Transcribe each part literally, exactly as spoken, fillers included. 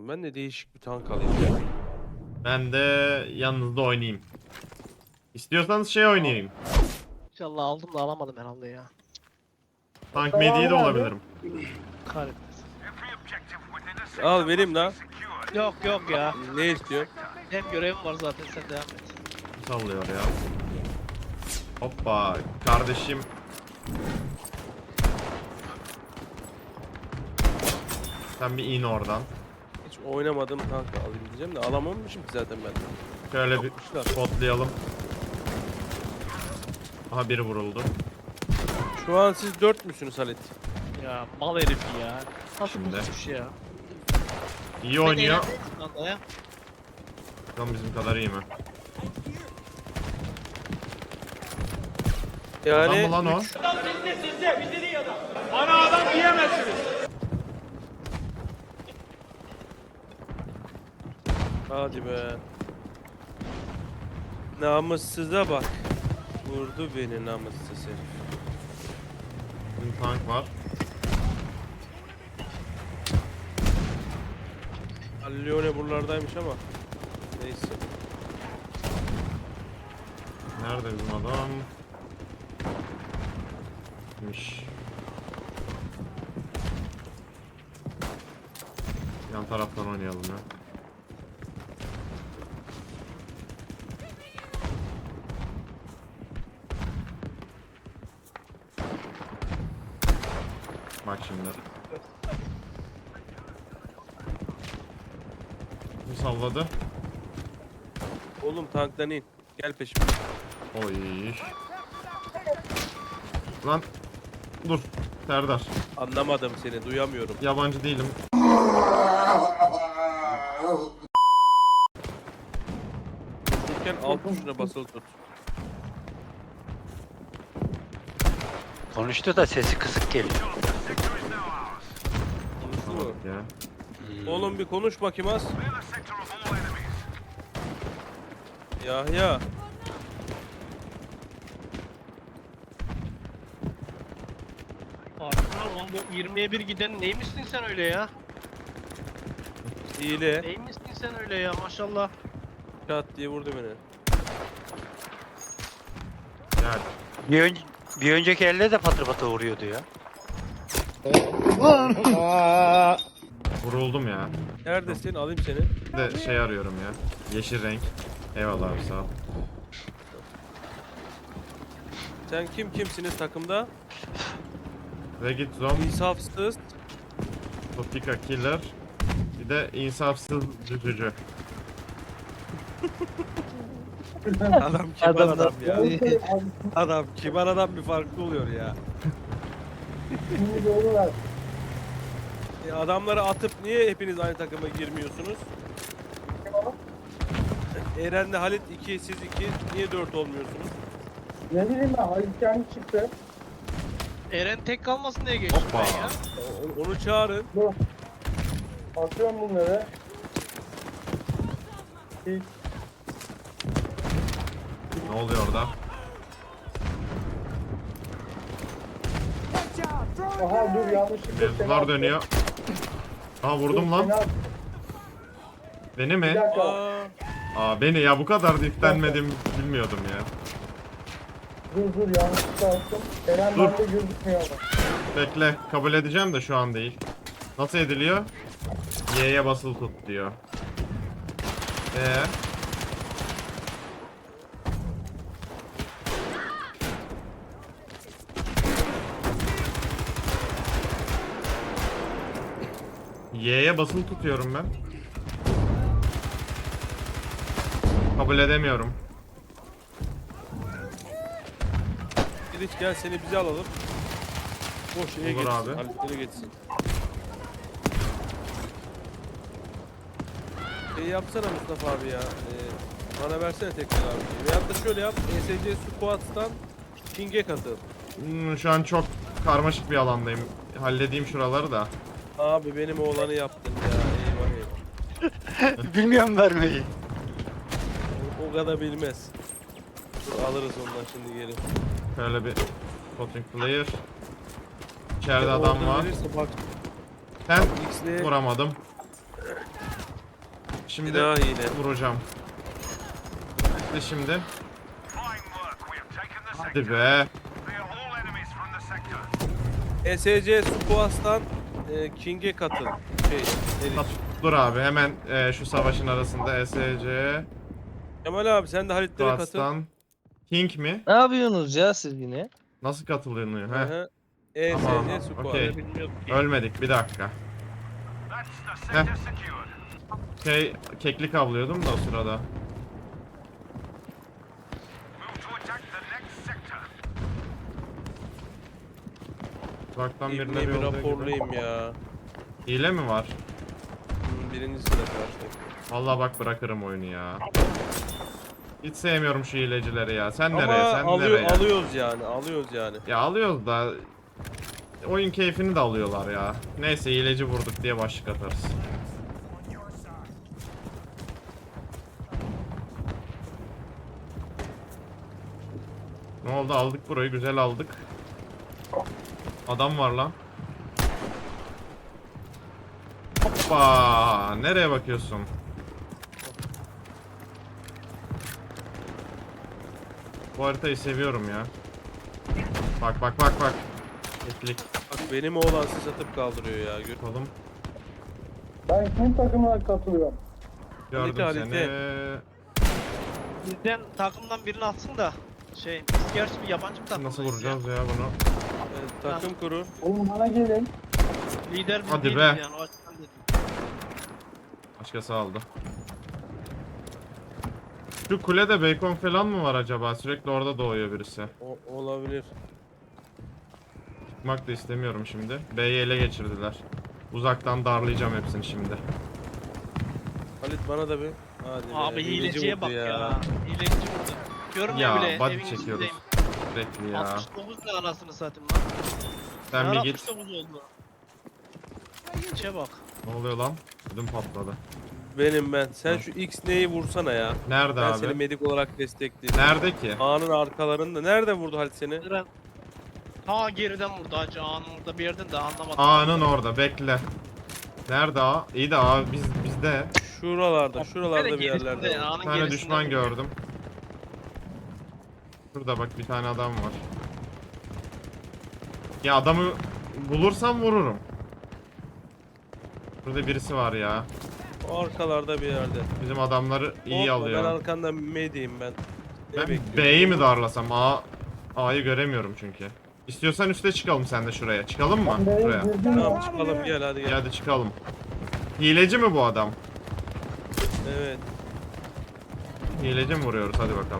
lazım. Ben de değişik bir tank alayım ya. Ben de yanınızda oynayayım. İstiyorsanız şey oynayayım. İnşallah aldım da alamadım herhalde ya. Tank mediyi de olabilirim. Kahretmesin. Al vereyim lan. Yok yok ya. Ne istiyorsun? Hem görevim var zaten, sen devam et. Sallıyor ya. Hoppa kardeşim. Sen bir in oradan. Hiç oynamadım tank alayım diyeceğim de alamamışım ki zaten ben. Şöyle bir Yapmışlar. spotlayalım. Aha biri vuruldu. Şu an siz dört müsünüz Halit? Ya mal herif ya. Nasıl Şimdi. bulmuş ya? İyi oynuyor. Ben de ya. Bakalım bizim kadar iyi mi? Adam Yani mı lan o? üç- Bana adam diyemezsiniz. Hadi be. Namussuza bak. Vurdu beni namussuz herif. Bizim tank var. Leone buralardaymış ama. Neyse. Nerede bizim adam? Miş. Yan taraftan oynayalım ya. Bak şimdi. Bu salladı. Oğlum tanktan in. Gel peşime. Oy. Lan. Dur. Serdar. Anlamadım seni, duyamıyorum. Yabancı değilim. Dururken alt tuşuna basılı tut. Konuştu da sesi kısık geliyor. Konuştu mu? Ya. Oğlum bir konuş bakayım az. Yahya. Arkadaşlar lan bu yirmiye bir giden neymişsin sen öyle ya? Hile. Neymişsin sen öyle ya, maşallah. Çat diye vurdu beni. Gel. Bir, ön bir önceki elde de patır patır vuruyordu ya. Vuruldum ya. Neredesin? Alayım seni. Bir de şey arıyorum ya. Yeşil renk. Eyvallah abi sağ ol. Sen kim kimsiniz takımda? Regit Zom, İnsafsız. Topika Killer. Bir de insafsız düzücü. Adam kibar adam ya. Adam kibar adam bir farklı oluyor ya. E, adamları atıp niye hepiniz aynı takıma girmiyorsunuz? Eren'le Halit iki, siz iki. Niye dört olmuyorsunuz? Ne bileyim ben, Halit kendi çıktı. Eren tek kalmasın diye geçtim Hoppa. ben ya. O- Onu çağırın. Dur. Atıyorum bunları. Hiç. Ne oluyor orada? Aha dur, yanlışlıkla seni Mevzular attım. dönüyor. Aha vurdum Dur, lan. seni attım. Beni Bir mi? dakika. Aa, Aa beni ya, bu kadar diklenmedim bilmiyordum ya. Dur dur, yanlışlıkla attım. Eren Dur. bende gözükmüyor ama. Bekle, kabul edeceğim de şu an değil. Nasıl ediliyor? Y'ye basılı tut diyor. Ee. Y'ye basılı tutuyorum ben. Kabul edemiyorum. Giriş gel seni bize alalım. Boş şeye Olur geçsin. abi. Halit'lere geçsin. Şey yapsana Mustafa abi ya. Ee, bana versene tekrar abi. Veyahut da şöyle yap. E S C Squads'tan King'e katıl. Hmm, şu an çok karmaşık bir alandayım. Halledeyim şuraları da. Abi benim oğlanı yaptın ya. Eyvah eyvah. Bilmiyorum vermeyi. O, o kadar bilmez. Dur, alırız ondan şimdi geri. Şöyle bir potting player. İçeride Order adam var. verirse bak Ben X'le vuramadım. Şimdi Bir daha hile. vuracağım. Bitti şimdi. Hadi be. E S C Squad'dan e, King'e katıl. Şey, Eric. Dur abi hemen e, şu savaşın arasında E S C Kemal abi sen de Halitlere katıl. Squad'dan King mi? Ne yapıyorsunuz ya siz yine? Nasıl katılınıyor? Hı He. hı. E S Tamam, C Squad. okey. Bilmiyorum ki. Ölmedik bir dakika. Heh. Şey keklik avlıyordum da o sırada. Uzaktan İbni birileri bir yolluyor gibi. raporlayayım ya. Hile mi var? Hmm, Birinci sıra karşı. Vallahi bak bırakırım oyunu ya. Hiç sevmiyorum şu hilecileri ya. Sen Ama nereye? Sen alıyor, nereye? alıyoruz yani. Alıyoruz yani. Ya alıyoruz da oyun keyfini de alıyorlar ya. Neyse hileci vurduk diye başlık atarız. Ne oldu? Aldık burayı. Güzel aldık. Adam var lan. Hoppa! Nereye bakıyorsun? Bu haritayı seviyorum ya. Bak bak bak bak. Etlik. Bak benim oğlan siz atıp kaldırıyor ya. Gör. Oğlum Ben kim takımına katılıyorum? gördüm Halite, seni. halite. Bizden takımdan birini atsın da. Şey biz gerçi bir yabancı bir takımdayız Nasıl ya. vuracağız ya bunu? Evet, takım kuru. Oğlum bana gelin. Lider biz Hadi değiliz be. yani o açıdan dedim. Başkası aldı. Şu kulede bacon falan mı var acaba? Sürekli orada doğuyor birisi. O, olabilir. Çıkmak da istemiyorum şimdi. B'yi ele geçirdiler. Uzaktan darlayacağım hepsini şimdi. Halit bana da bir. Hadi be, Abi hileci hileciye vurdu bak ya. Hileci vurdu. Görmüyor Ya bile. body evin çekiyoruz. içindeyim. Sürekli ya. altmış dokuz ne anasını satayım lan. Sen bir git. altmış dokuz oldu. İçe bak. Ne oluyor lan? Ödüm patladı. Benim ben. Sen şu X neyi vursana ya. Nerede Ben abi? seni medik olarak destekleyeyim. Nerede ki? Ağanın arkalarında. Nerede vurdu Halit seni? Eren. Ha geriden vurdu hacı ağanın orada bir yerden de anlamadım. A'nın orada bekle. Nerede A? İyi de A biz bizde. Şuralarda, şuralarda bir yerlerde. Gerisinde, var. ağanın Bir tane gerisinde düşman vurdu. gördüm. Şurada bak bir tane adam var. Ya adamı bulursam vururum. Burada birisi var ya. O arkalarda bir yerde. Bizim adamları iyi Korkma, alıyor. Ben arkanda mediyim ben. Ne Ben bekliyorsun? B'yi mi darlasam? A A'yı göremiyorum çünkü. İstiyorsan üste çıkalım sen de şuraya. Çıkalım mı? Ben B'ye Şuraya. girdim Tamam ya. çıkalım gel hadi İyi, gel. hadi çıkalım. Hileci mi bu adam? Evet. Hileci mi vuruyoruz? Hadi bakalım.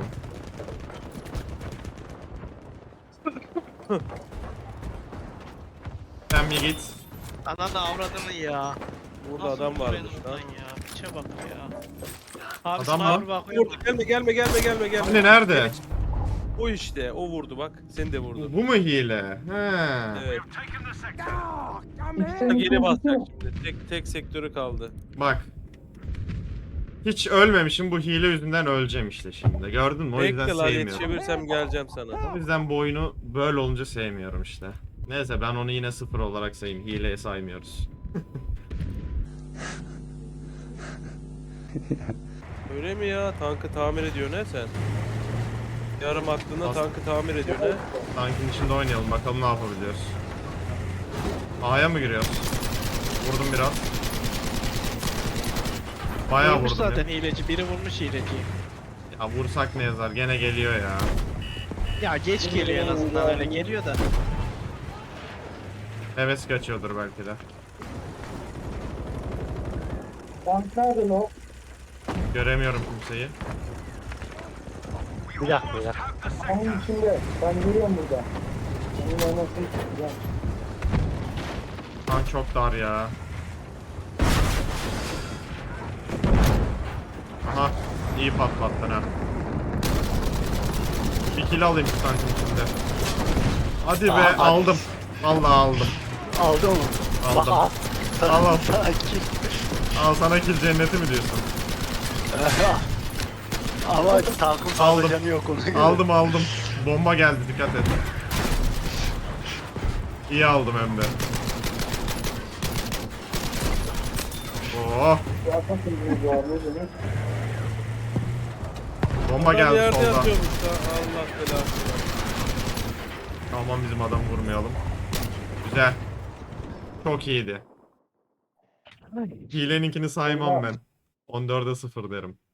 Sen bir git. Ananı avradını ya. Burada Nasıl adam vurdu varmış beni lan. oradan ya. İçe bak ya. Abi Adam sana mı? bir bakıyorum. Vurdu. Gelme gelme gelme gelme gelme. Hani nerede? O işte o vurdu bak. Seni de vurdu. Bu mu hile? He. Evet. İkisinin Geri basacak ikincisi. şimdi. Tek tek sektörü kaldı. Bak. Hiç ölmemişim, bu hile yüzünden öleceğim işte şimdi. Gördün mü? O yüzden Bekle lan sevmiyorum. yetişebilirsem geleceğim sana. O yüzden bu oyunu böyle olunca sevmiyorum işte. Neyse ben onu yine sıfır olarak sayayım. Hileye saymıyoruz. Öyle mi ya? Tankı tamir ediyor ne sen? Yarım aklına As- tankı tamir ediyor ne? Tankın içinde oynayalım bakalım ne yapabiliyoruz. A'ya mı giriyoruz? Vurdum biraz. Bayağı Vurmuş vurdum zaten ya. hileci. Biri vurmuş hileciyi. Ya vursak ne yazar? Gene geliyor ya. Ya geç geliyor en azından öyle geliyor da. Heves kaçıyordur belki de. Tank nerede o? Göremiyorum kimseyi. Bir dakika bir dakika. Onun içinde. Ben görüyorum burada. Onun anasını tutacağım. Tank çok dar ya. Aha, iyi patlattın ha. Bir kill alayım şu tankın içinde. Hadi be, Aa, aldım. Vallahi aldım. Aldı onu. Aldım. Al. Al, al. Sakin. Al sana kill cenneti mi diyorsun? Ama tankın fazla Aldım. canı yok ona göre. Aldım aldım. Bomba geldi, dikkat et. İyi aldım hem de. Oh. Bu atmak için bu abi ne demek? Bomba Adam geldi yerde soldan. yatıyormuş da. Allah belasını versin. Aman bizim adamı vurmayalım. Güzel. Çok iyiydi. Hileninkini saymam ben. on dörde sıfır derim.